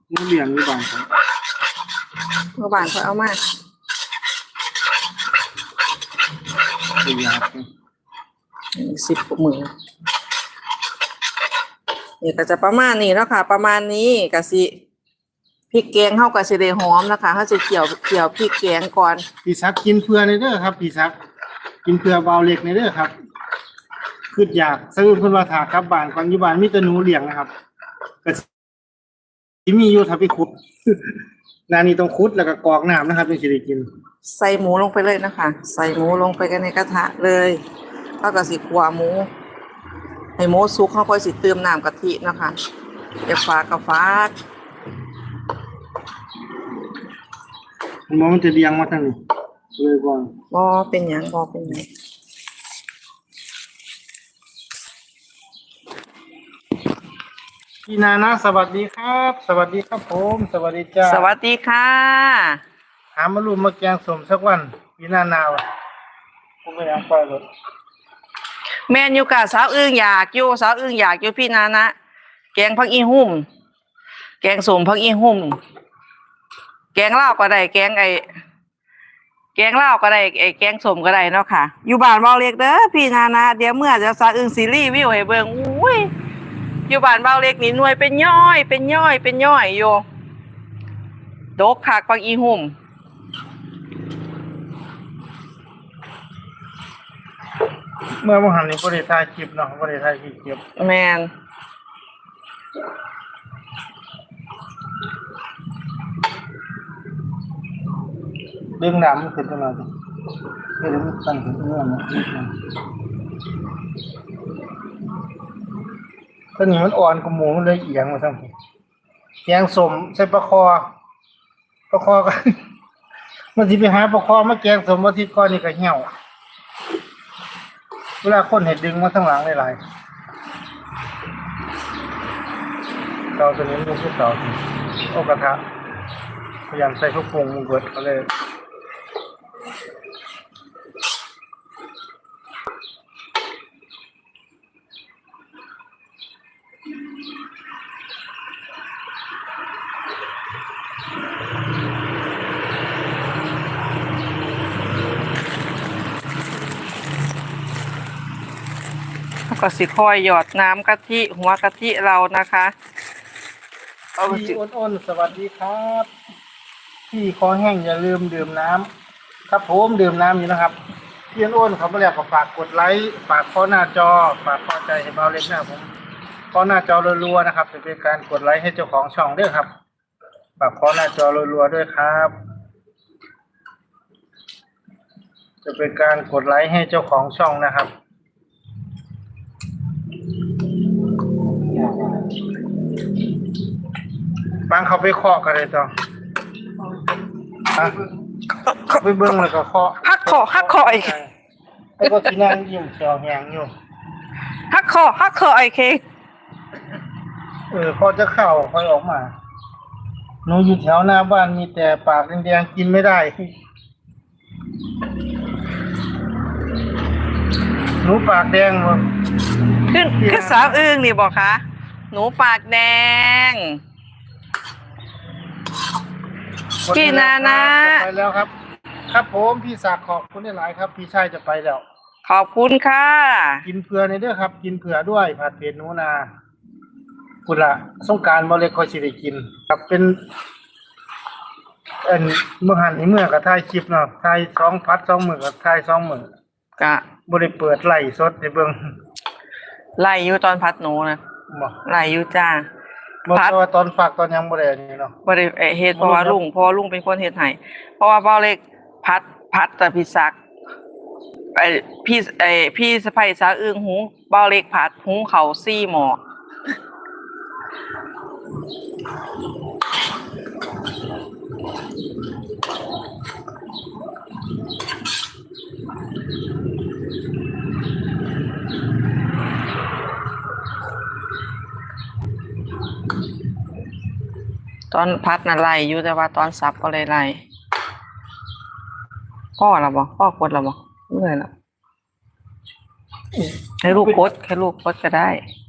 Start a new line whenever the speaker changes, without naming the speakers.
นี่เลี้ยงอยู่บ้านครับ
เมื่อวานเขาเอามา
เป็นยา
10 มื้อนี่ก็จะประมาณนี้แล้วค่ะ ประมาณนี้ก็สิพริกแกงเฮาก็สิได้หอมนะคะเฮาสิเคี่ยวพริกแกงก่อน
พี่ซักกินเพื่อในเด้อครับพี่ซักกินเพื่อเบาเล็กในเด้อครับคืออยากซื้อเพิ่นว่าถากลับบ้านก่อนอยู่บ้านมีแต่หนูเลี้ยงนะครับก็สิมีอยู่ถ้าไปขุด นานี่ต้องขุดแล้วก็กรอกน้ำนะครับถึงสิได้กิน
ใส่หมูลงไปเลยนะคะ ใส่หมูลงไปกันในกระทะเลยแล้วก็สิคั่วหมูให้หมูสุกเขาค่อยสิเติมน้ำกะทินะคะอย่าฝากกับฝาก
ผมว่ามันจะเลี้ยงมาทางนี้เลยก่อน
บ่เป็นหยังบ่เป็นหยัง
พี่นานะสวัสดีครับ สวัสดีครับผมสวัสดีจ้า
สวัสดีค่ะ
หามาลูมาแกงสมสักวันพี่นานาวผมไม่อยากปล่อยรถ
แม่นอยู่กับสาวอึ้งอยากอยู่พี่นานะแกงผักอีหุ่มแกงส้มผักอีหุ่มแกงลาวก็ได้แกงลาวก็ได้แกงส้มก็ได้เนาะค่ะอยู่บ้านเบาเล็กเด้อพี่นานะเดี๋ยวเมื่อจะสาวอึ้งซีรีส์วิวให้เบิ่งอุ้ยอยู่บ้านเบาเล็กนี่หน่วยเป็นย่อยอยู่ดกคักผักอีหุ่ม
เมื่อวันหันนี้บริษัทคลิปเนาะบริษัทคลิป
แมน
เรื่องน้ำมันขึ้นตลอดเรื่องมันตั้งขึ้นเรื่องนะต้นนี้มันอ่อนกว่าหมูมันเลยเอียงมาทั้งทีแกงสมใส่ปลาคอก็ มันสิไปหาปลาคอมาแกงสมมาที่ก้อนนี่ก็เหี่ยวเวลาคนเห็ดดึงมาทั้งหลังหลายๆเตาตัวนี้มันคือเตาโอกระทะพยายามใส่ทุกปรุงมันเกิดก็เลย
แล้วก็สิคอยหยอดน้ำกะทิหัวกะทิเรานะคะเอาสิ
พี่อ้นๆสวัสดีครับพี่คอแห้งอย่าลืมดื่มน้ำครับผมดื่มน้ำอยู่นะครับพี่อ้นๆเขาไม่เรียกก็ฝากกดไลค์ฝากข้อหน้าจอฝากข้อใจให้เบาเล็กนะผมข้อหน้าจอรัวๆนะครับจะเป็นการกดไลค์ให้เจ้าของช่องด้วยครับฝากข้อหน้าจอรัวๆด้วยครับจะเป็นการกดไลค์ให้เจ้าของช่องนะครับบางเขาไปเคาะกันเลยจ้ะไปเบิ้งแล้วก็เคาะ
ฮักคออีก
ไอ้พวกที่นั่งยิ้มเสียวแหงอยู่
ฮักคอไอ้เคง
พอจะเข้าค่อยออกมาหนูอยู่แถวหน้าบ้านมีแต่ปากแดงๆกินไม่ได้หนูปากแดงหมด
คือสาวอึ้งนี่บอกคะหนูปากแดงพี่นานะ
จะไปแล้วครับ ครับผมพี่ศักดิ์ขอบคุณหลายครับพี่ชายจะไปแล้ว
ขอบคุณค่ะ
กินเผื่อในเด้อครับ กินเผื่อด้วยผัดเผ็ดหนูนาคุณละสงกรานต์บ่เลยค่อยสิได้กินครับเป็นเมื่อหันนี้เมื่อก็ถ่ายคลิปเนาะถ่าย2 พัด 2 มื้อก็ถ่าย2 มื้อก
ะ
บ่ได้เปิดไลฟ์สดให้เบิ่ง
ไล่อยู่ตอนพัดหนูนะ
บ่
ไล่อยู่จ้า
บ่
พัด
แต่ว่าตอนฝากตอนยังบ่ได้อันนี้เนาะ
บ่ได้เฮ็ดเพราะว่าลุงเป็นคนเฮ็ดให้เพราะว่าเบ้าเล็กพัดแต่พี่ศักดิ์พี่สะใภ้สาวอึ้งหุงเบ้าเล็กผัดหุงข้าว4 หม้อตอนพัดน่ะไล่อยู่แต่ว่าตอนสับก็เลยไล่พ่อกดแล้วบ่เมื่อยแล้วให้ลูกกดแค่ลูกกดก็ได้